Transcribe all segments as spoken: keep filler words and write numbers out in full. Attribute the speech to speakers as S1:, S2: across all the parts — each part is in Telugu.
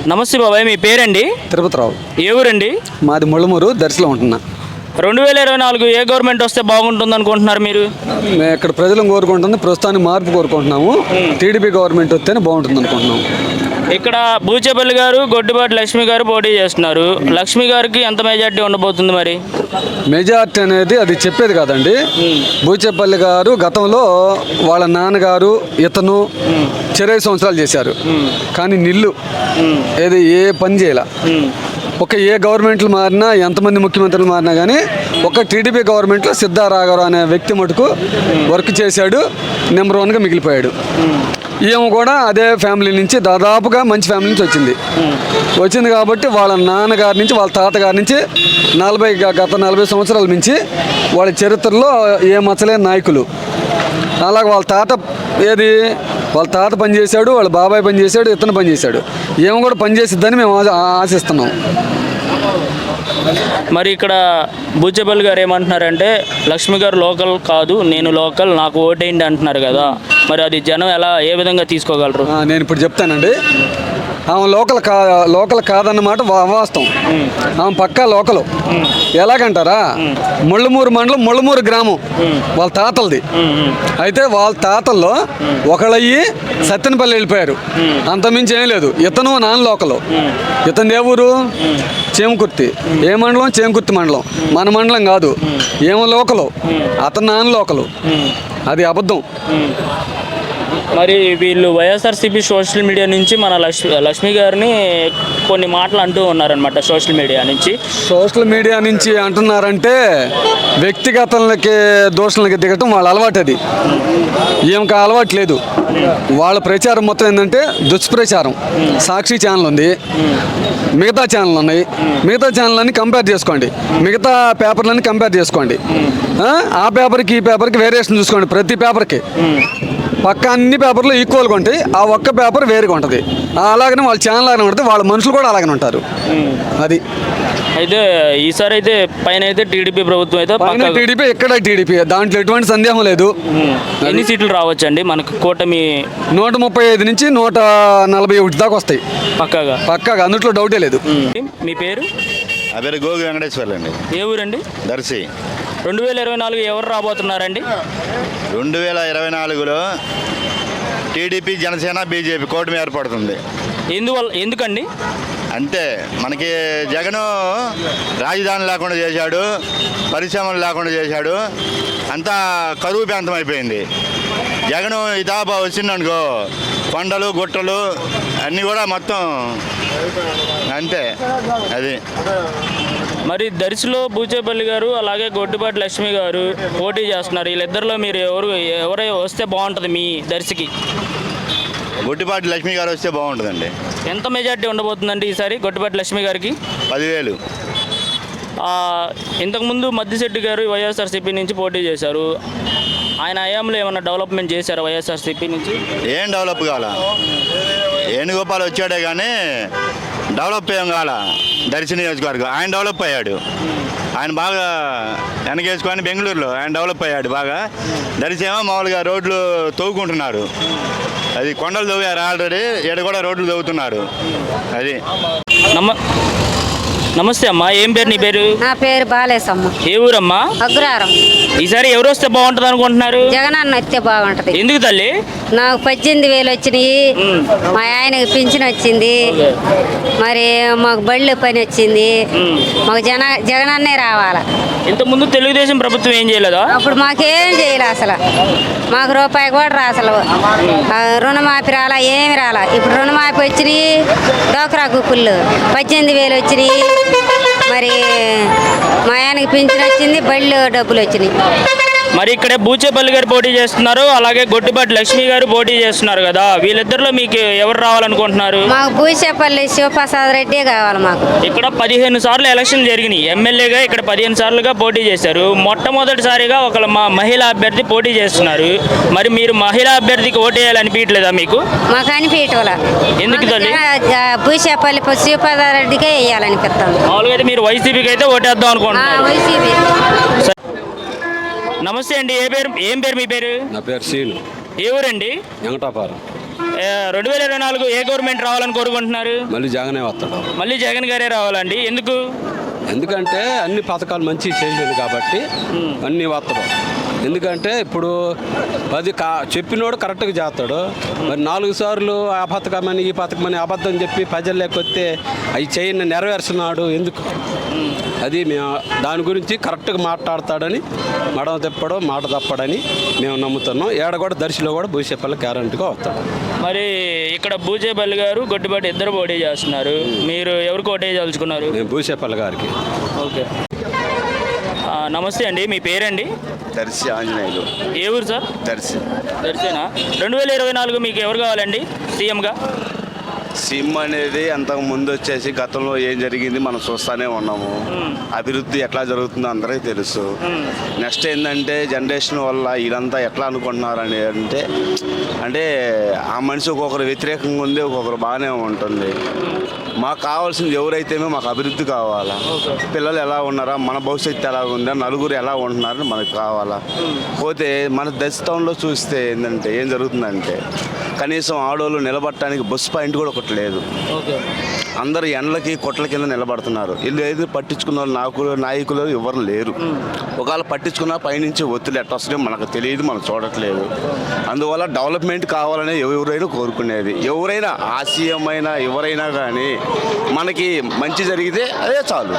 S1: నమస్తే బాబాయ్, మీ పేరండి?
S2: తిరుపతిరావు.
S1: ఏ ఊరండి?
S2: మాది ముళ్ళమూరు, దర్శిలో ఉంటున్నా.
S1: రెండు వేల ఇరవై నాలుగు ఏ గవర్నమెంట్ వస్తే బాగుంటుంది అనుకుంటున్నారు మీరు?
S2: మేము ఇక్కడ ప్రజలను కోరుకుంటుంది, ప్రస్తుతానికి మార్పు కోరుకుంటున్నాము. టీడీపీ గవర్నమెంట్ వస్తేనే బాగుంటుంది అనుకుంటున్నాము.
S1: ఇక్కడ బూచేపల్లి గారు, గొడ్డిపాటి లక్ష్మి గారు పోటీ చేస్తున్నారు. లక్ష్మి గారికి ఎంత మెజార్టీ ఉండబోతుంది మరి?
S2: మెజార్టీ అనేది అది చెప్పేది కాదండి. బూచేపల్లి గారు గతంలో వాళ్ళ నాన్నగారు ఇతను ఇరవై సంవత్సరాలు చేశారు, కానీ నిల్లు ఏది ఏ పని చేయాల. ఒక ఏ గవర్నమెంట్లు మారినా, ఎంతమంది ముఖ్యమంత్రులు మారినా కానీ ఒక టీడీపీ గవర్నమెంట్లో సిద్ధారాఘవరావు అనే వ్యక్తి మటుకు వర్క్ చేశాడు, నెంబర్ వన్గా మిగిలిపోయాడు. ఈమె కూడా అదే ఫ్యామిలీ నుంచి, దాదాపుగా మంచి ఫ్యామిలీ నుంచి వచ్చింది వచ్చింది కాబట్టి వాళ్ళ నాన్నగారి నుంచి, వాళ్ళ తాతగారి నుంచి నలభై గత నలభై సంవత్సరాల నుంచి వాళ్ళ చరిత్రలో ఏ మచ్చలేని నాయకులు. అలాగే వాళ్ళ తాత ఏది వాళ్ళ తాత పనిచేశాడు, వాళ్ళ బాబాయ్ పనిచేశాడు, ఇతను పనిచేశాడు. ఏమో కూడా పనిచేసిద్దని మేము ఆశిస్తున్నాం.
S1: మరి ఇక్కడ బూచేపల్లి గారు ఏమంటున్నారంటే, లక్ష్మి గారు లోకల్ కాదు, నేను లోకల్, నాకు ఓటేయండి అంటున్నారు కదా. మరి అది జనం ఎలా ఏ విధంగా తీసుకోగలరు?
S2: నేను ఇప్పుడు చెప్తానండి. ఆమె లోకల్ కా లోకల్ కాదన్నమాట వాస్తవం. ఆమె పక్కా లోకలు. ఎలాగంటారా, ముళ్ళమూరు మండలం, ముళ్ళమూరు గ్రామం వాళ్ళ తాతలది. అయితే వాళ్ళ తాతల్లో ఒకళ్ళయ్యి సత్తెనపల్లి వెళ్ళిపోయారు, అంతమించి ఏం లేదు. ఇతను నాన్న లోకలు. ఇతను ఏ ఊరు? చేమకుర్తి. ఏ మండలం? చేమకుర్తి మండలం. మన మండలం కాదు, ఏమో లోకలు. అతను నాన్న లోకలు. అది అబద్ధం.
S1: మరి వీళ్ళు వైఎస్ఆర్సీపీ సోషల్ మీడియా నుంచి మన లక్ష్మి లక్ష్మి గారిని కొన్ని మాటలు అంటూ ఉన్నారనమాట. సోషల్ మీడియా నుంచి
S2: సోషల్ మీడియా నుంచి అంటున్నారంటే వ్యక్తిగతాలకి దోషణలకి దిగటం వాళ్ళ అలవాటు. అది ఏమక అలవాటు లేదు. వాళ్ళ ప్రచారం మొత్తం ఏంటంటే దుష్ప్రచారం. సాక్షి ఛానల్ ఉంది, మిగతా ఛానల్ ఉన్నాయి. మిగతా ఛానల్ అన్ని కంపేర్ చేసుకోండి, మిగతా పేపర్లన్నీ కంపేర్ చేసుకోండి. ఆ పేపర్కి ఈ పేపర్కి వేరియేషన్ చూసుకోండి. ప్రతి పేపర్కి పక్క అన్ని పేపర్లు ఈక్వల్గా ఉంటాయి, ఆ ఒక్క పేపర్ వేరుగా ఉంటుంది. అలాగనే వాళ్ళ ఛానల్ లాగానే ఉంటుంది, వాళ్ళ మనుషులు కూడా అలాగనే ఉంటారు. అది
S1: అయితే ఈసారి అయితే పైన అయితే టీడీపీ ప్రభుత్వం అయితే
S2: పైన టీడీపీ, ఎక్కడ టీడీపీ, దాంట్లో ఎటువంటి సందేహం లేదు.
S1: ఎన్ని సీట్లు రావచ్చండి మనకు? కూటమి
S2: నూట ముప్పై ఐదు నుంచి నూట నలభై ఒకటి దాకా వస్తాయి
S1: పక్కాగా.
S2: పక్కాగా, అందులో డౌటే లేదు.
S1: మీ పేరు?
S3: నా పేరు గోగి వెంకటేశ్వర్లు అండి.
S1: ఏ ఊరండి?
S3: దర్శి.
S1: రెండు వేల ఇరవై నాలుగు ఎవరు రాబోతున్నారండి?
S3: రెండు వేల ఇరవై నాలుగులో టీడీపీ, జనసేన, బీజేపీ కూటమి ఏర్పడుతుంది.
S1: ఎందువల్ల ఎందుకండి?
S3: అంతే, మనకి జగను రాజధాని లేకుండా చేశాడు, పరిశ్రమలు లేకుండా చేశాడు, అంతా కరువు ప్రాంతం అయిపోయింది. జగను ఇదాబా వచ్చిందనుకో, కొండలు గుట్టలు అన్నీ కూడా మొత్తం అంతే. అది
S1: మరి దర్శిలో బూచేపల్లి గారు అలాగే గొడ్డిపాటి లక్ష్మి గారు పోటీ చేస్తున్నారు. వీళ్ళిద్దరిలో మీరు ఎవరు ఎవరై వస్తే బాగుంటుంది మీ దర్శికి?
S3: గొడ్డిపాటి లక్ష్మి గారు వస్తే బాగుంటుందండి.
S1: ఎంత మెజార్టీ ఉండబోతుందండి ఈసారి గొడ్డిపాటి లక్ష్మి గారికి?
S3: పదివేలు.
S1: ఇంతకుముందు మద్దిశెట్టి గారు వైఎస్ఆర్సీపీ నుంచి పోటీ చేశారు. ఆయన హయాంలో ఏమన్నా డెవలప్మెంట్ చేశారు వైఎస్ఆర్సీపీ నుంచి? ఏం
S3: డెవలప్ కావాలా? వేణుగోపాల్ వచ్చాడే కానీ డెవలప్ ఏం కావాలా దర్శి నియోజకవర్గం. ఆయన డెవలప్ అయ్యాడు, ఆయన బాగా వెనకేసుకొని బెంగళూరులో ఆయన డెవలప్ అయ్యాడు బాగా. దర్శి ఏమో మామూలుగా రోడ్లు తవ్వుకుంటున్నారు, అది కొండలు తవ్వారు ఆల్రెడీ, ఇక్కడ కూడా రోడ్లు తవ్వుతున్నారు. అది
S1: నమ్మ నమస్తే అమ్మా, ఏం పేరు నీ పేరు?
S4: నా పేరు బాలేసమ్మ.
S1: ఏ ఊరమ్మా?
S4: అగ్రహారం.
S1: ఈసారి ఎవరు వస్తే బాగుంటుంది అనుకుంటున్నారు?
S4: జగన్ అన్న వస్తే బాగుంటది.
S1: ఎందుకు తల్లి?
S4: నాకు పద్దెనిమిది వేలు వచ్చినాయి, మా ఆయనకి పింఛన్ వచ్చింది, మరి మాకు బళ్ళు పని వచ్చింది, మాకు జన జగన్ అన్నే రావాలా.
S1: ఇంతకుముందు తెలుగుదేశం ప్రభుత్వం ఏం చేయలేదా?
S4: అప్పుడు మాకేం చేయలే, అసలు మాకు రూపాయి కూడా రా, అసలు రుణమాఫీ రాలా, ఏమి రాలా. ఇప్పుడు రుణమాఫీ వచ్చినాయి, డోక్రా గుప్పులు పద్దెనిమిది వేలు వచ్చినాయి, మరి మా ఆయనకి పింఛన్ వచ్చింది, బళ్ళు డబ్బులు వచ్చినాయి.
S1: మరి ఇక్కడే బూచేపల్లి గారు పోటీ చేస్తున్నారు, అలాగే గొడ్డిపాటి లక్ష్మి గారు పోటీ చేస్తున్నారు కదా. వీళ్ళిద్దరిలో మీకు ఎవరు రావాలనుకుంటున్నారు?
S4: మాకు బూచేపల్లి శివప్రసాద్ రెడ్డి కావాలి. మాకు
S1: ఇక్కడ పదిహేను సార్లు ఎలక్షన్ జరిగినాయి, ఎమ్మెల్యేగా ఇక్కడ పదిహేను సార్లుగా పోటీ చేశారు. మొట్టమొదటిసారిగా ఒక మహిళా అభ్యర్థి పోటీ చేస్తున్నారు. మరి మీరు మహిళా అభ్యర్థికి ఓటేయాలనిపించలేదా మీకు?
S4: మాకు అనిపించట్ల.
S1: ఎందుకు తల్లి?
S4: బూచేపల్లి శివప్రసాద్ రెడ్డికే వేయాలనిపిస్తాం.
S1: మామూలుగా అయితే మీరు వైసీపీకి అయితే ఓటేద్దాం అనుకుంటున్నారు?
S4: వైసీపీ.
S1: నమస్తే అండి, ఏ పేరు ఏం పేరు మీ పేరు?
S5: నా పేరు సీను.
S1: ఏ ఊరండి?
S5: వెంకటాపురం.
S1: రెండు వేల ఇరవై నాలుగు ఏ గవర్నమెంట్ రావాలని కోరుకుంటున్నారు?
S5: మళ్ళీ జగనే వస్తాడు.
S1: మళ్ళీ జగన్ గారే రావాలండి, ఎందుకు?
S5: ఎందుకంటే అన్ని పథకాలు మంచి చేసింది కాబట్టి అన్నీ వస్తాడు. ఎందుకంటే ఇప్పుడు పది కా చెప్పినోడు కరెక్ట్గా చేస్తాడు. మరి నాలుగు సార్లు ఆ పథకమని ఈ పథకమని అబద్ధం చెప్పి ప్రజలు లేకపోతే అవి చేయని నెరవేర్చున్నాడు ఎందుకు? అది మేము దాని గురించి కరెక్ట్గా మాట్లాడతాడని మడమ తిప్పడం మాట తప్పడని మేము నమ్ముతున్నాం. ఏడ కూడా దర్శిలో కూడా భూసేపల్లి గ్యారంటీగా వస్తాడు.
S1: మరి ఇక్కడ బూచేపల్లి గారు గొడ్డుబాటి ఇద్దరు పోటీ చేస్తున్నారు, మీరు ఎవరికి ఓటే తలుచుకున్నారు?
S5: మేము భూసేపల్లి గారికి.
S1: ఓకే, నమస్తే అండి, మీ పేరండి?
S3: దర్శి ఆంజనేయులు.
S1: ఏ ఊరు సార్?
S3: దర్శి.
S1: దర్శేనా? రెండు వేల ఇరవై నాలుగు మీకు ఎవరు కావాలండి సీఎంగా?
S3: సిమ్ అనేది అంతకు ముందు వచ్చేసి గతంలో ఏం జరిగింది మనం చూస్తూనే ఉన్నాము. అభివృద్ధి ఎట్లా జరుగుతుందో అందరికీ తెలుసు. నెక్స్ట్ ఏంటంటే జనరేషన్ వల్ల ఇదంతా ఎట్లా అనుకుంటున్నారు అని అంటే అంటే ఆ మనిషి ఒక్కొక్కరు వ్యతిరేకంగా ఉంది, ఒక్కొక్కరు బాగానే ఉంటుంది. మాకు కావాల్సింది ఎవరైతేనే మాకు అభివృద్ధి కావాలా, పిల్లలు ఎలా ఉన్నారా, మన భవిష్యత్తు ఎలా ఉందా, నలుగురు ఎలా ఉంటున్నారని మనకు కావాలా. పోతే మన దశతంలో చూస్తే ఏంటంటే ఏం జరుగుతుందంటే కనీసం ఆడవాళ్ళు నిలబడటానికి బస్ పాయింట్ కూడా ఒకటి లేదు. అందరు ఎండలకి కొట్ల కింద నిలబడుతున్నారు. వీళ్ళు ఏది పట్టించుకున్న వాళ్ళు నాయకులు నాయకులు ఎవరు లేరు. ఒకవేళ పట్టించుకున్న పైనుంచి ఒత్తిడి ఎట్లా వస్తుందో మనకు తెలియదు, మనం చూడట్లేదు. అందువల్ల డెవలప్మెంట్ కావాలని ఎవరైనా కోరుకునేది. ఎవరైనా ఆశయమైనా ఎవరైనా కానీ మనకి మంచి జరిగితే అదే చాలు.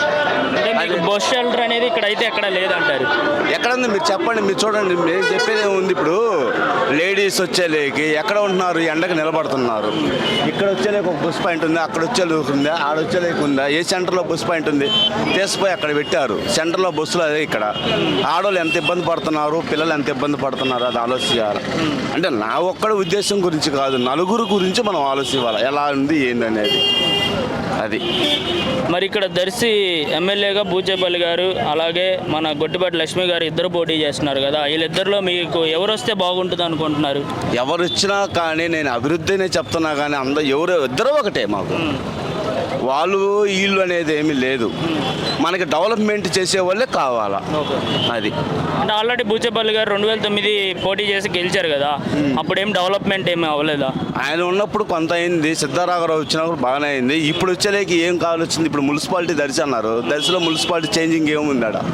S1: బస్ షెల్టర్ అనేది ఇక్కడ అయితే ఎక్కడ లేదంటారు?
S3: ఎక్కడుంది మీరు చెప్పండి, మీరు చూడండి. మేము చెప్పేది ఉంది, ఇప్పుడు లేడీస్ వచ్చేలేకి ఎక్కడ ఉంటున్నారు, ఎండకు నిలబడుతున్నారు. ఇక్కడ వచ్చేలేక ఒక బస్ పాయింట్ ఉంది, అక్కడ వచ్చేలేక ఉందా, ఆడ వచ్చేలేక ఉందా, ఏ సెంటర్లో బస్ పాయింట్ ఉంది తీసిపోయి అక్కడ పెట్టారు. సెంటర్లో బస్సులు అదే. ఇక్కడ ఆడవాళ్ళు ఎంత ఇబ్బంది పడుతున్నారు, పిల్లలు ఎంత ఇబ్బంది పడుతున్నారు, అది ఆలోచించాలి. అంటే నా ఒక్కడి ఉద్దేశం గురించి కాదు, నలుగురు గురించి మనం ఆలోచించాలి ఎలా ఉంది ఏందనేది. అది
S1: మరి ఇక్కడ దర్శి ఎమ్మెల్యేగా బూచేపల్లి గారు అలాగే మన గొడ్డుబాటి లక్ష్మి గారు ఇద్దరు పోటీ చేస్తున్నారు కదా, వీళ్ళిద్దరిలో మీకు ఎవరు వస్తే బాగుంటుంది అనుకుంటున్నారు?
S3: ఎవరు వచ్చినా కానీ నేను అభివృద్ధినే చెప్తున్నా కానీ అందరూ ఎవరు ఇద్దరు ఒకటే. మాకు వాళ్ళు వీళ్ళు అనేది ఏమీ లేదు, మనకి డెవలప్మెంట్ చేసే వాళ్ళే కావాలా. అది
S1: అంటే ఆల్రెడీ బూచేపల్లి గారు రెండు వేల తొమ్మిది పోటీ చేసి గెలిచారు కదా, అప్పుడేం డెవలప్మెంట్ ఏమీ అవ్వలేదా?
S3: ఆయన ఉన్నప్పుడు కొంత అయింది, సిద్ధారాఘరావు వచ్చినప్పుడు బాగానే అయింది. ఇప్పుడు వచ్చేలేకి ఏం కావాల్సింది? ఇప్పుడు మున్సిపాలిటీ దర్శి అన్నారు, దర్శిలో మున్సిపాలిటీ చేంజింగ్ ఏముంది? ఆడ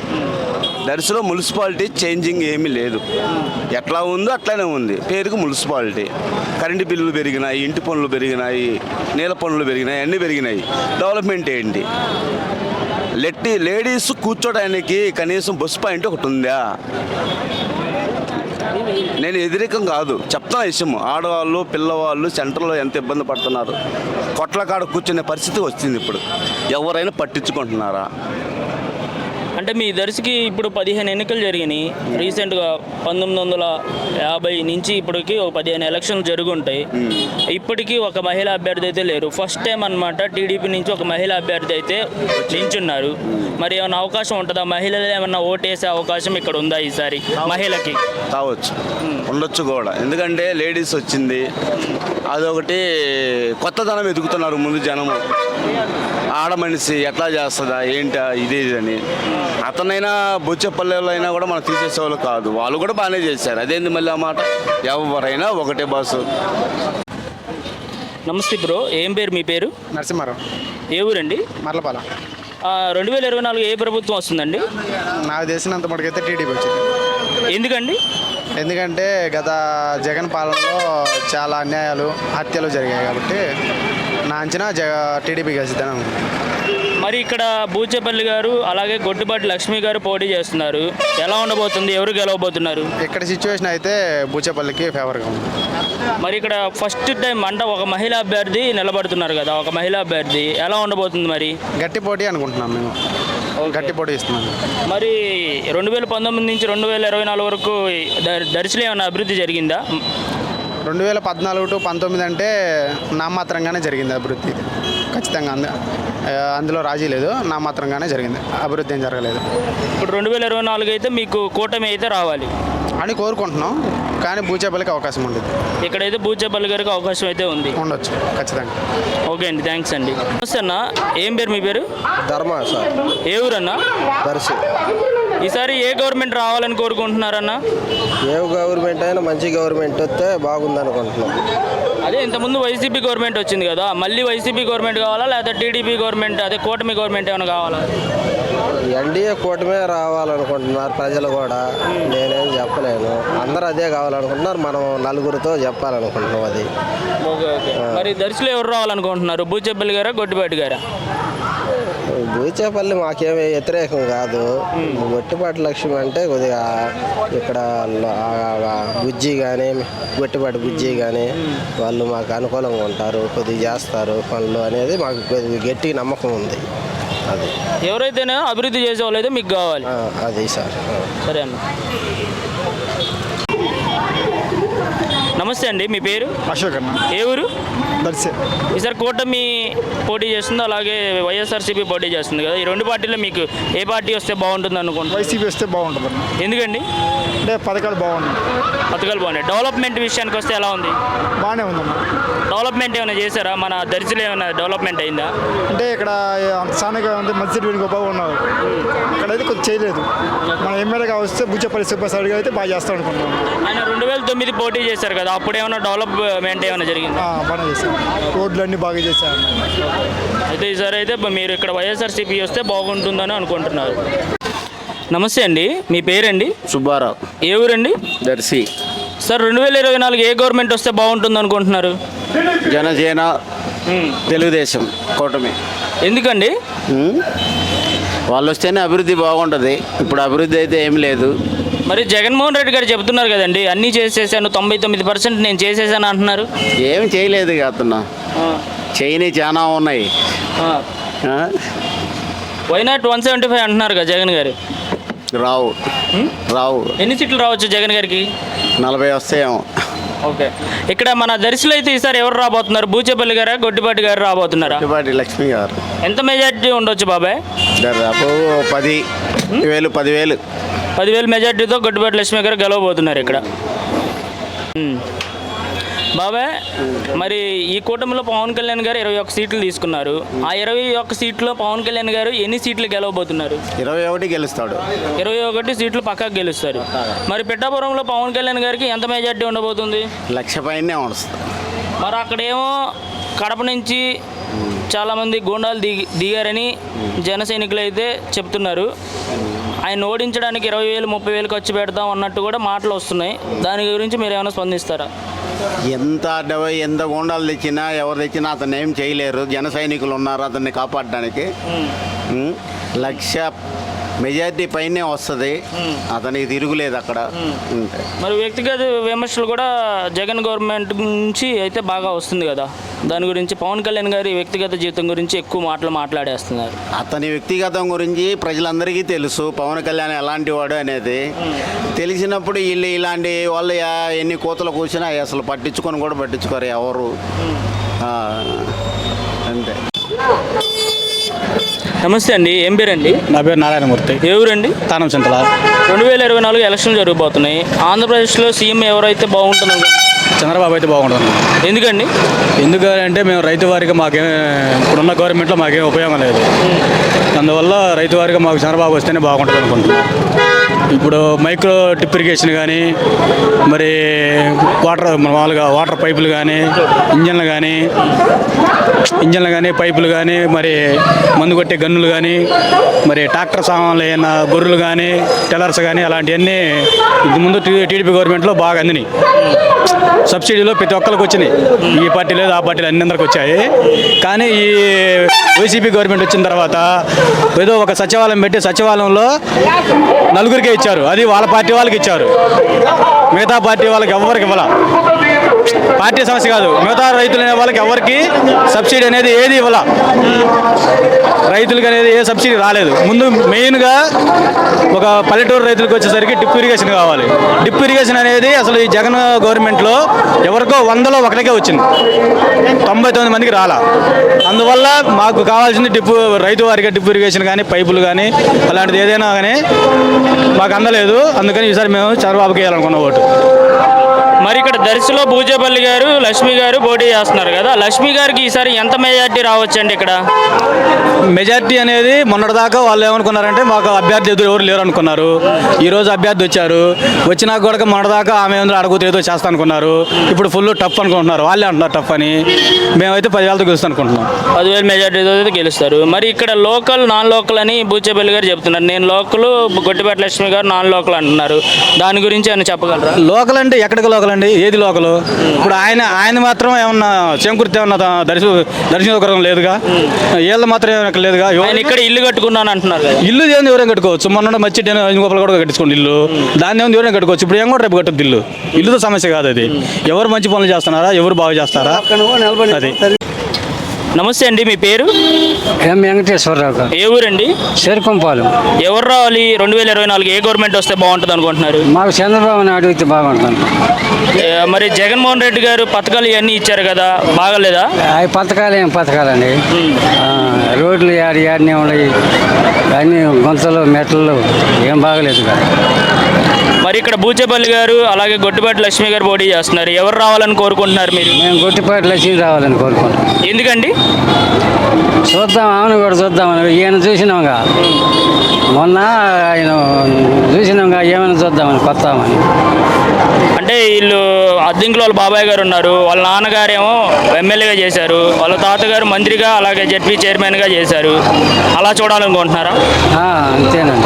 S3: దర్శిలో మున్సిపాలిటీ చేంజింగ్ ఏమీ లేదు, ఎట్లా ఉందో అట్లానే ఉంది. పేరుకు మున్సిపాలిటీ. కరెంటు బిల్లులు పెరిగినాయి, ఇంటి పనులు పెరిగినాయి, నీళ్ళ పనులు పెరిగినాయి, అన్నీ పెరిగినాయి. డెవలప్మెంట్ ఏంటి? లెట్టి లేడీస్ కూర్చోడానికి కనీసం బస్ పాయింట్ ఒకటి ఉందా? నేను వ్యతిరేకం కాదు, చెప్తున్నా విషయం. ఆడవాళ్ళు పిల్లవాళ్ళు సెంటర్లో ఎంత ఇబ్బంది పడుతున్నారు, కొట్ల కాడ కూర్చునే పరిస్థితి వచ్చింది. ఇప్పుడు ఎవరైనా పట్టించుకుంటున్నారా?
S1: అంటే మీ దర్శికి ఇప్పుడు పదిహేను ఎన్నికలు జరిగినాయి రీసెంట్గా. పంతొమ్మిది వందల యాభై నుంచి ఇప్పటికి ఒక పదిహేను ఎలక్షన్లు జరుగుంటాయి. ఇప్పటికీ ఒక మహిళా అభ్యర్థి అయితే లేరు. ఫస్ట్ టైం అనమాట టీడీపీ నుంచి ఒక మహిళా అభ్యర్థి అయితే నించున్నారు. మరి ఏమైనా అవకాశం ఉంటుందా? మహిళలు ఏమన్నా ఓటేసే అవకాశం ఇక్కడ ఉందా ఈసారి మహిళకి?
S3: కావచ్చు, ఉండొచ్చు కూడా. ఎందుకంటే లేడీస్ వచ్చింది, అదొకటి కొత్తదనం ఎదుగుతున్నారు ముందు జనము. ఆడ మనిషి ఎట్లా చేస్తుందా ఏంటా ఇది అని. అతనైనా బొచ్చెపల్లెలో అయినా కూడా మనం తీసేసేవాళ్ళు కాదు, వాళ్ళు కూడా బాగానే చేశారు. అదేంది మళ్ళీ ఆ మాట? ఎవరైనా ఒకటే బాసు.
S1: నమస్తే బ్రో, ఏం పేరు మీ పేరు?
S6: నరసింహారావు.
S1: ఏ ఊరండి?
S6: మర్లపాల.
S1: రెండు వేల ఇరవై నాలుగు ఏ ప్రభుత్వం వస్తుందండి?
S6: నాకు తెలిసినంత మటుకైతే టీడీపీ వచ్చింది.
S1: ఎందుకండి?
S6: ఎందుకంటే గత జగన్ పాలనలో చాలా అన్యాయాలు హత్యలు జరిగాయి కాబట్టి నా అంచనా జగ టీడీపీ గెలుస్తుందని అనుకుంటున్నాను.
S1: మరి ఇక్కడ బూచేపల్లి గారు అలాగే గొడ్డుబాటి లక్ష్మి గారు పోటీ చేస్తున్నారు, ఎలా ఉండబోతుంది? ఎవరు గెలవబోతున్నారు?
S6: ఇక్కడ సిచ్యువేషన్ అయితే బూచేపల్లికి ఫేవర్గా ఉంది.
S1: మరి ఇక్కడ ఫస్ట్ టైం అంటే ఒక మహిళా అభ్యర్థి నిలబడుతున్నారు కదా, ఒక మహిళా అభ్యర్థి ఎలా ఉండబోతుంది? మరి
S6: గట్టి పోటీ అనుకుంటున్నాం మేము, గట్టి పోటీ ఇస్తున్నాం.
S1: మరి రెండు వేల పంతొమ్మిది నుంచి రెండు వేల ఇరవై నాలుగు వరకు దర్శిలో ఏమైనా అభివృద్ధి జరిగిందా?
S6: రెండు వేల పద్నాలుగు టు పంతొమ్మిది అంటే నామాత్రంగానే జరిగింది అభివృద్ధి, ఖచ్చితంగా. అంద అందులో రాజీ లేదు, నామాత్రంగానే జరిగింది, అభివృద్ధి ఏం జరగలేదు.
S1: ఇప్పుడు రెండు వేల ఇరవై నాలుగు అయితే మీకు కూటమి అయితే రావాలి
S6: అని కోరుకుంటున్నాం, కానీ బూచేపల్లికి అవకాశం ఉండదు.
S1: ఇక్కడైతే బూచేపల్లి గారికి అవకాశం అయితే ఉంది,
S6: ఉండొచ్చు ఖచ్చితంగా.
S1: ఓకే అండి, థ్యాంక్స్ అండి. నమస్తే అన్న, ఏం పేరు మీ పేరు?
S7: ధర్మ సార్.
S1: ఏ ఊరన్నా?
S7: దర్శి.
S1: ఈసారి ఏ గవర్నమెంట్ రావాలని కోరుకుంటున్నారన్న?
S7: ఏ గవర్నమెంట్ అయినా మంచి గవర్నమెంట్ వస్తే బాగుంది అనుకుంటున్నాం.
S1: అదే ఇంతకుముందు వైసీపీ గవర్నమెంట్ వచ్చింది కదా, మళ్ళీ వైసీపీ గవర్నమెంట్ కావాలా లేదా టీడీపీ గవర్నమెంట్ అదే కూటమి గవర్నమెంట్ ఏమైనా కావాలా?
S7: ఎన్డీఏ కూటమే రావాలనుకుంటున్నారు ప్రజలు కూడా. నేనేం చెప్పలేను, అందరూ అదే కావాలనుకుంటున్నారు. మనం నలుగురితో చెప్పాలనుకుంటున్నాం అది.
S1: Okay okay. మరి దర్శిలో ఎవరు రావాలనుకుంటున్నారు? బూచెప్పల్లి గారా, గొడ్డిపాటి గారా?
S7: బూచేపల్లి మాకేమీ వ్యతిరేకం కాదు. గొట్టిపాటి లక్ష్మి అంటే కొద్దిగా ఇక్కడ బుజ్జి కానీ గొట్టిపాటి బుజ్జి కానీ వాళ్ళు మాకు అనుకూలంగా ఉంటారు, కొద్దిగా చేస్తారు పనులు అనేది మాకు కొద్దిగా గట్టి నమ్మకం ఉంది. అది
S1: ఎవరైతేనే అభివృద్ధి చేసే వాళ్ళైతే మీకు కావాలి.
S7: ఆ, అది సార్.
S1: సరే అన్న. నమస్తే అండి, మీ పేరు?
S8: అశోక్ అన్న,
S1: ఏ ఊరు?
S8: దర్శి.
S1: ఈసారి కూటమి పోటీ చేస్తుంది, అలాగే వైఎస్ఆర్సీపీ పోటీ చేస్తుంది కదా. ఈ రెండు పార్టీలో మీకు ఏ పార్టీ వస్తే బాగుంటుంది అనుకుంటున్నారు?
S8: వైసీపీ వస్తే బాగుంటుంది అన్న.
S1: ఎందుకండి?
S8: అంటే పథకాలు బాగున్నాయి,
S1: పథకాలు బాగున్నాయి. డెవలప్మెంట్ విషయానికి వస్తే ఎలా ఉంది?
S8: బాగానే ఉందన్న.
S1: డెవలప్మెంట్ ఏమైనా చేశారా? మన దర్శిలో ఏమైనా డెవలప్మెంట్ అయిందా?
S8: అంటే ఇక్కడ సానగా ఉంది, మధ్య వీడికి బాగున్నారు. ఇక్కడైతే కొంచెం చేయలేదు. మన ఎమ్మెల్యేగా వస్తే బుచ్చపల్లి సుబ్బాసారి గారు అయితే బాగా చేస్తాం అనుకుంటున్నాం.
S1: ఆయన రెండు వేల తొమ్మిది పోటీ చేశారు కదా, అప్పుడు ఏమైనా డెవలప్మెంట్ ఏమైనా జరిగింది?
S8: బాగానే చేశారు, రోడ్లు అన్నీ బాగా చేశారు.
S1: అయితే ఈసారి అయితే మీరు ఇక్కడ వైఎస్ఆర్సీపీ వస్తే బాగుంటుందని అనుకుంటున్నారు. నమస్తే అండి, మీ పేరండి?
S9: సుబ్బారావు,
S1: ఏ ఊరండి?
S9: దర్శి.
S1: సార్, రెండు వేల ఇరవై నాలుగు ఏ గవర్నమెంట్ వస్తే బాగుంటుంది అనుకుంటున్నారు?
S9: జనసేన, తెలుగుదేశం కూటమి.
S1: ఎందుకండి?
S9: ఉమ్, వాళ్ళు వస్తేనే అభివృద్ధి బాగుంటుంది. ఇప్పుడు అభివృద్ధి అయితే ఏం లేదు.
S1: మరి జగన్మోహన్ రెడ్డి గారు చెబుతున్నారు కదండి, అన్నీ చేసేసాను, తొంభై తొమ్మిది పర్సెంట్ నేను చేసేసాను అంటున్నారు.
S9: ఏమి చేయలేదు అతను, చేయని చాలా ఉన్నాయి.
S1: Why not one seventy five అంటున్నారు కదా జగన్ గారు.
S9: రావు రావు
S1: ఎన్ని సీట్లు రావచ్చు జగన్ గారికి?
S9: నలభై వస్తాయేమో.
S1: ఓకే. ఇక్కడ మన దర్శిలో అయితే ఈసారి ఎవరు రాబోతున్నారు? బూచేపల్లి గారా, గొడ్డిపాటి గారు రాబోతున్నారా?
S9: గొట్టిపాటి లక్ష్మి గారు.
S1: ఎంత మెజార్టీ ఉండొచ్చు బాబాయ్?
S9: దాదాపు పది వేలు పదివేలు
S1: పదివేలు మెజార్టీతో గొడ్డిపాటి లక్ష్మి గారు గెలవబోతున్నారు ఇక్కడ. ఉమ్. బాబాయ్, మరి ఈ కూటమిలో పవన్ కళ్యాణ్ గారు ఇరవై ఒక్క సీట్లు తీసుకున్నారు. ఆ ఇరవై ఒక్క సీట్లో పవన్ కళ్యాణ్ గారు ఎన్ని సీట్లు గెలవబోతున్నారు?
S9: ఇరవై ఒకటి గెలుస్తాడు.
S1: ఇరవై ఒకటి సీట్లు పక్కాకు గెలుస్తారు. మరి పిఠాపురంలో పవన్ కళ్యాణ్ గారికి ఎంత మెజార్టీ ఉండబోతుంది?
S9: లక్ష పైనే వస్తుంది.
S1: మరి అక్కడేమో కడప నుంచి చాలామంది గూండాలు దిగి దిగారని జన సైనికులు అయితే చెప్తున్నారు. ఆయన ఓడించడానికి ఇరవై వేలు ముప్పై వేలు ఖర్చు పెడతాం అన్నట్టు కూడా మాటలు వస్తున్నాయి. దాని గురించి మీరు ఏమైనా స్పందిస్తారా?
S9: ఎంత డెబ్బై ఎంత గోండాలు తెచ్చినా ఎవరు తెచ్చినా అతను ఏం చేయలేరు. జన సైనికులు ఉన్నారు అతన్ని కాపాడడానికి. ఉమ్, లక్ష మెజారిటీ పైనే వస్తుంది, అతనికి తిరుగులేదు అక్కడ.
S1: మరి వ్యక్తిగత విమర్శలు కూడా జగన్ గవర్నమెంట్ నుంచి అయితే బాగా వస్తుంది కదా, దాని గురించి పవన్ కళ్యాణ్ గారి వ్యక్తిగత జీవితం గురించి ఎక్కువ మాటలు మాట్లాడేస్తున్నారు.
S9: అతని వ్యక్తిగతం గురించి ప్రజలందరికీ తెలుసు, పవన్ కళ్యాణ్ ఎలాంటి వాడు అనేది. తెలిసినప్పుడు వీళ్ళు ఇలాంటి వాళ్ళు ఎన్ని కోతలు కూర్చున్నా అసలు పట్టించుకొని కూడా పట్టించుకోరు ఎవరు. అంతే.
S1: నమస్తే అండి, ఏం పేరండి?
S10: నా పేరు నారాయణమూర్తి.
S1: ఏ ఊరండి?
S10: తానం చింతల.
S1: రెండు వేల ఇరవై నాలుగు ఎలక్షన్లు జరగబోతున్నాయి. ఆంధ్రప్రదేశ్లో సీఎం ఎవరైతే బాగుంటుంది?
S10: చంద్రబాబు అయితే బాగుంటుంది.
S1: ఎందుకండి?
S10: ఎందుకంటే మేము రైతు వారికి మాకేం ఇప్పుడున్న గవర్నమెంట్లో మాకేం ఉపయోగం లేదు. అందువల్ల రైతు వారికి మాకు చంద్రబాబు వస్తేనే బాగుంటుంది అనుకుంటున్నాం. ఇప్పుడు మైక్రో టిప్ ఇరిగేషన్ కానీ, మరి వాటర్ మామూలుగా వాటర్ పైపులు కానీ, ఇంజన్లు కానీ ఇంజన్లు కానీ పైపులు కానీ, మరి మందు కొట్టే గన్నులు కానీ, మరి ట్రాక్టర్ సామాన్లు అయిన గొర్రెలు కానీ, టెలర్స్ కానీ, అలాంటివన్నీ ఇది ముందు టీడీపీ గవర్నమెంట్లో బాగా అందినాయి. సబ్సిడీలో ప్రతి ఒక్కరికి వచ్చినాయి. ఈ పార్టీ లేదు ఆ పార్టీలు అన్ని అందరికి వచ్చాయి. కానీ ఈ వైసీపీ గవర్నమెంట్ వచ్చిన తర్వాత ఏదో ఒక సచివాలయం పెట్టి సచివాలయంలో నలుగురికే ఇచ్చారు. అది వాళ్ళ పార్టీ వాళ్ళకి ఇచ్చారు, మిగతా పార్టీ వాళ్ళకి ఎవరికి ఇవ్వాల. పార్టీ సమస్య కాదు, మిగతా రైతులు అనే వాళ్ళకి ఎవరికి సబ్సిడీ అనేది ఏది ఇవ్వాల. రైతులకు అనేది ఏ సబ్సిడీ రాలేదు. ముందు మెయిన్గా ఒక పల్లెటూరు రైతులకు వచ్చేసరికి డిప్ ఇరిగేషన్ కావాలి. డిప్ ఇరిగేషన్ అనేది అసలు ఈ జగన్ గవర్నమెంట్లో ఎవరికో వందలో ఒకరికే వచ్చింది, తొంభై తొమ్మిది మందికి రాలా. అందువల్ల మాకు కావాల్సింది డిప్ రైతు వారికి డిప్ ఇరిగేషన్ కానీ, పైపులు కానీ, అలాంటిది ఏదైనా కానీ మాకు అందలేదు. అందుకని ఈసారి మేము చంద్రబాబుకి వేయాలనుకున్న ఓటు.
S1: మరి ఇక్కడ దర్శిలో బూచేపల్లి గారు లక్ష్మి గారు పోటీ చేస్తున్నారు కదా, లక్ష్మి గారికి ఈసారి ఎంత మెజార్టీ రావచ్చండి ఇక్కడ?
S10: మెజార్టీ అనేది మొన్నటిదాకా వాళ్ళు ఏమనుకున్నారంటే మాకు అభ్యర్థి ఎదురు ఎవరు లేరు అనుకున్నారు. ఈరోజు అభ్యర్థి వచ్చారు, వచ్చినా కూడా మొన్నటిదాకా ఆమె ఏదో అడుగుతూ ఏదో చేస్తా అనుకున్నారు. ఇప్పుడు ఫుల్ టఫ్ అనుకుంటున్నారు, వాళ్ళే అంటున్నారు టఫ్ అని. మేమైతే పదివేలతో గెలుస్తాం అనుకుంటున్నాం.
S1: పదివేలు మెజార్టీతో అయితే గెలుస్తారు. మరి ఇక్కడ లోకల్ నాన్ లోకల్ అని బూచేపల్లి గారు చెప్తున్నారు. నేను లోకల్, గొట్టిపేట లక్ష్మి గారు నాన్ లోకల్ అంటున్నారు. దాని గురించి ఆయన చెప్పగలరా?
S10: లోకల్ అంటే ఎక్కడికి లోకల్ అండి, ఏది లోకల్? ఇప్పుడు ఆయన ఆయన మాత్రం ఏమన్నా చేకూర్తి ఏమన్నా దర్శ దర్శనం లేదుగా, వీళ్ళు మాత్రం ఏమైనా లేదుగా.
S1: ఆయన ఇక్కడ ఇల్లు కట్టుకున్నాను అంటున్నారు కదా.
S10: ఇల్లు ఏమైనా ఎవరైనా కట్టుకోవచ్చు. మొన్న మచ్చి గోపాలు కూడా కట్టించుకోండి ఇల్లు, దాన్ని ఏమైనా ఎవరైనా కట్టుకోవచ్చు. ఇప్పుడు ఏం కూడా రేపు కట్టద్దు ఇల్లు. ఇల్లుతో సమస్య కాదు అది. ఎవరు మంచి పనులు చేస్తున్నారా, ఎవరు బాగా చేస్తారా అది.
S1: నమస్తే అండి, మీ పేరు?
S11: ఎం వెంకటేశ్వరరావు గారు.
S1: ఏ ఊరండి?
S11: చేరుకొంపాలు.
S1: ఎవరు రావాలి రెండు వేల ఇరవై నాలుగు? ఏ గవర్నమెంట్ వస్తే బాగుంటుంది అనుకుంటున్నారు?
S11: మాకు చంద్రబాబు నాయుడు అయితే బాగుంటుంది.
S1: ఏ, మరి జగన్మోహన్ రెడ్డి గారు పథకాలు ఇవన్నీ ఇచ్చారు కదా, బాగలేదా?
S11: అవి పథకాలు ఏం పథకాలండి, ఆ, రోడ్లు యాడి యాడినే ఉన్నాయి, అన్ని గుంతలు మెట్లు ఏం బాగలేదు కదా.
S1: మరి ఇక్కడ బూచేపల్లి గారు అలాగే గొట్టిపాటి లక్ష్మి గారు పోటీ చేస్తున్నారు. ఎవరు రావాలని కోరుకుంటున్నారు మీరు?
S11: మేము గొట్టిపాటి లక్ష్మి రావాలని కోరుకుంటాం.
S1: ఎందుకండి?
S11: చూద్దాం, ఆమెను కూడా చూద్దామని. ఈయన చూసినాంగా, మొన్న ఆయన చూసినాంగా, ఏమైనా చూద్దామని కొత్తామని.
S1: అంటే వీళ్ళు అద్దెంకుల వాళ్ళ బాబాయ్ గారు ఉన్నారు, వాళ్ళ నాన్నగారేమో ఎమ్మెల్యేగా చేశారు, వాళ్ళ తాతగారు మంత్రిగా అలాగే జెడ్పీ చైర్మన్గా చేశారు. అలా చూడాలనుకుంటున్నారా?
S11: ఆ, అంతేనండి.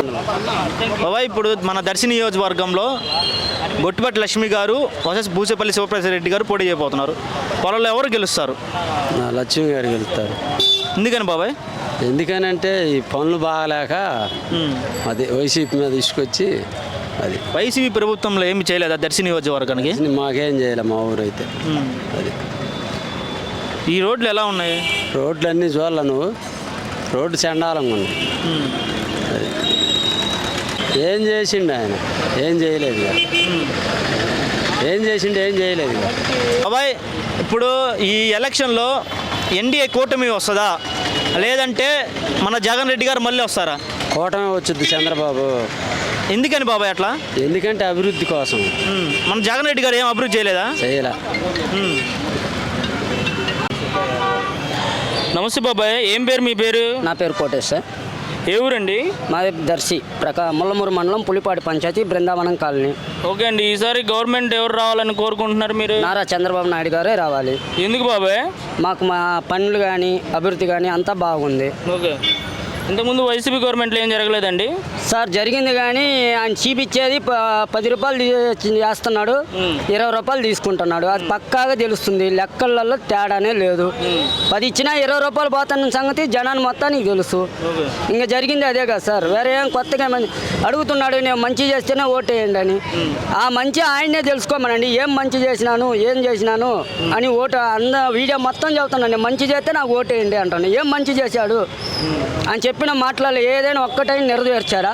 S12: బాబాయ్, ఇప్పుడు మన దర్శి నియోజకవర్గంలో గొట్టిపాటి లక్ష్మి గారు వర్సెస్ బూచేపల్లి శివప్రసాద్ రెడ్డి గారు పోటీ చేయబోతున్నారు. వాళ్ళలో ఎవరు గెలుస్తారు?
S5: లక్ష్మి గారు వెళ్తారు.
S12: ఎందుకని బాబాయ్?
S5: ఎందుకనంటే ఈ పనులు బాగాలేక అది వైసీపీ మీద తీసుకొచ్చి అది.
S12: వైసీపీ ప్రభుత్వంలో ఏమి చేయలేదా దర్శి నియోజకవర్గానికి?
S5: మాకేం చేయలే మా ఊరు అయితే. అది
S12: ఈ రోడ్లు ఎలా ఉన్నాయి?
S5: రోడ్లు అన్నీ చూడాల నువ్వు, రోడ్డు చండాలంగా ఉంది. అది ఏం చేసిండు ఆయన? ఏం చేయలేదు కదా. ఏం చేసిండు? ఏం చేయలేదు కదా.
S12: బాబాయ్, ఇప్పుడు ఈ ఎలక్షన్లో ఎన్డీఏ కూటమి వస్తుందా, లేదంటే మన జగన్ రెడ్డి గారు మళ్ళీ వస్తారా?
S5: కూటమి వచ్చింది చంద్రబాబు.
S12: ఎందుకని బాబాయ్ అట్లా?
S5: ఎందుకంటే అభివృద్ధి కోసం.
S12: మన జగన్ రెడ్డి గారు ఏం అభివృద్ధి చేయలేదా?
S5: చేయలే.
S1: నమస్తే బాబాయ్, ఏం పేరు మీ పేరు?
S11: నా పేరు కోటేష్ సార్.
S1: ఏ ఊరండి?
S11: మాది దర్శి ప్రకా ముల్లమూరు మండలం పులిపాటి పంచాయతీ బృందావనం కాలనీ.
S1: ఓకే అండి, ఈసారి గవర్నమెంట్ ఎవరు రావాలని కోరుకుంటున్నారు మీరు?
S11: నారా చంద్రబాబు నాయుడు గారే రావాలి.
S1: ఎందుకు బాబాయ్?
S11: మాకు మా పనులు కానీ అభివృద్ధి కానీ అంతా బాగుంది.
S1: ఓకే, ఇంతకుముందు వైసీపీ గవర్నమెంట్లో ఏం జరగలేదండి?
S11: సార్ జరిగింది, కానీ ఆయన చీపిచ్చేది ప- పది రూపాయలు తీ- చేస్తున్నాడు, ఇరవై రూపాయలు తీసుకుంటున్నాడు. అది పక్కాగా తెలుస్తుంది, లెక్కలలో తేడానే లేదు. పది ఇచ్చినా ఇరవై రూపాయలు పోతున్న సంగతి జనాన్ని మొత్తానికి తెలుసు. ఇంకా జరిగింది అదే కదా సార్, వేరే ఏం కొత్తగా ఏమని అడుగుతున్నాడు. నేను మంచి చేస్తేనే ఓటేయండి అని. ఆ మంచి ఆయనే తెలుసుకోమనండి, ఏం మంచి చేసినాను ఏం చేసినాను అని ఓటు అంద వీడియో మొత్తం చెబుతున్నాను. నేను మంచి చేస్తే నాకు ఓటేయండి అంటాను. ఏం మంచి చేశాడు అని చెప్పిన మాటలలో ఏదైనా ఒక్కటైనా నెరవేర్చారా?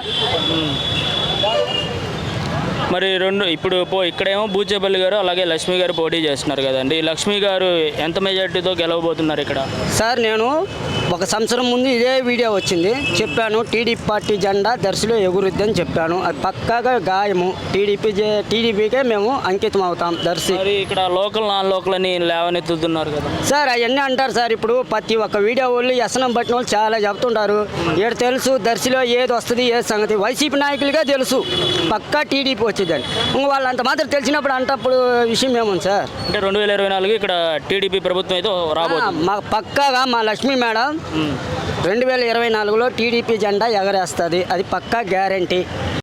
S1: మరి రెండు ఇప్పుడు పో ఇక్కడేమో బూచేపల్లి గారు అలాగే లక్ష్మి గారు పోటీ చేస్తున్నారు కదండి. లక్ష్మి గారు ఎంత మెజార్టీతో గెలవబోతున్నారు ఇక్కడ?
S11: సార్, నేను ఒక సంవత్సరం ముందు ఇదే వీడియో వచ్చింది, చెప్పాను టీడీపీ పార్టీ జెండా దర్శిలో ఎగురుద్ది అని చెప్పాను. అది పక్కాగా గాయము. టీడీపీ టీడీపీకే మేము అంకితం అవుతాం దర్శి.
S1: మరి ఇక్కడ లోకల్ నాన్ లోకల్ అని లేవనెత్తుతున్నారు కదా
S11: సార్. అవన్నీ అంటారు సార్. ఇప్పుడు ప్రతి ఒక్క వీడియో వాళ్ళు వ్యసనం పట్టిన వాళ్ళు చాలా చెప్తుంటారు. ఏడు తెలుసు దర్శిలో ఏది వస్తుంది ఏది సంగతి. వైసీపీ నాయకులుగా తెలుసు పక్కా టీడీపీ వచ్చిందని. ఇంక వాళ్ళు అంత మాత్రం తెలిసినప్పుడు అంటప్పుడు విషయం ఏముంది సార్?
S1: అంటే రెండు వేల ఇరవై నాలుగు ఇక్కడ టీడీపీ ప్రభుత్వం అయితే రాబోతుంది.
S11: మా పక్కాగా మా లక్ష్మీ మేడం రెండు వేల ఇరవై నాలుగులో టీడీపీ జెండా ఎగరేస్తుంది, అది పక్కా గ్యారంటీ.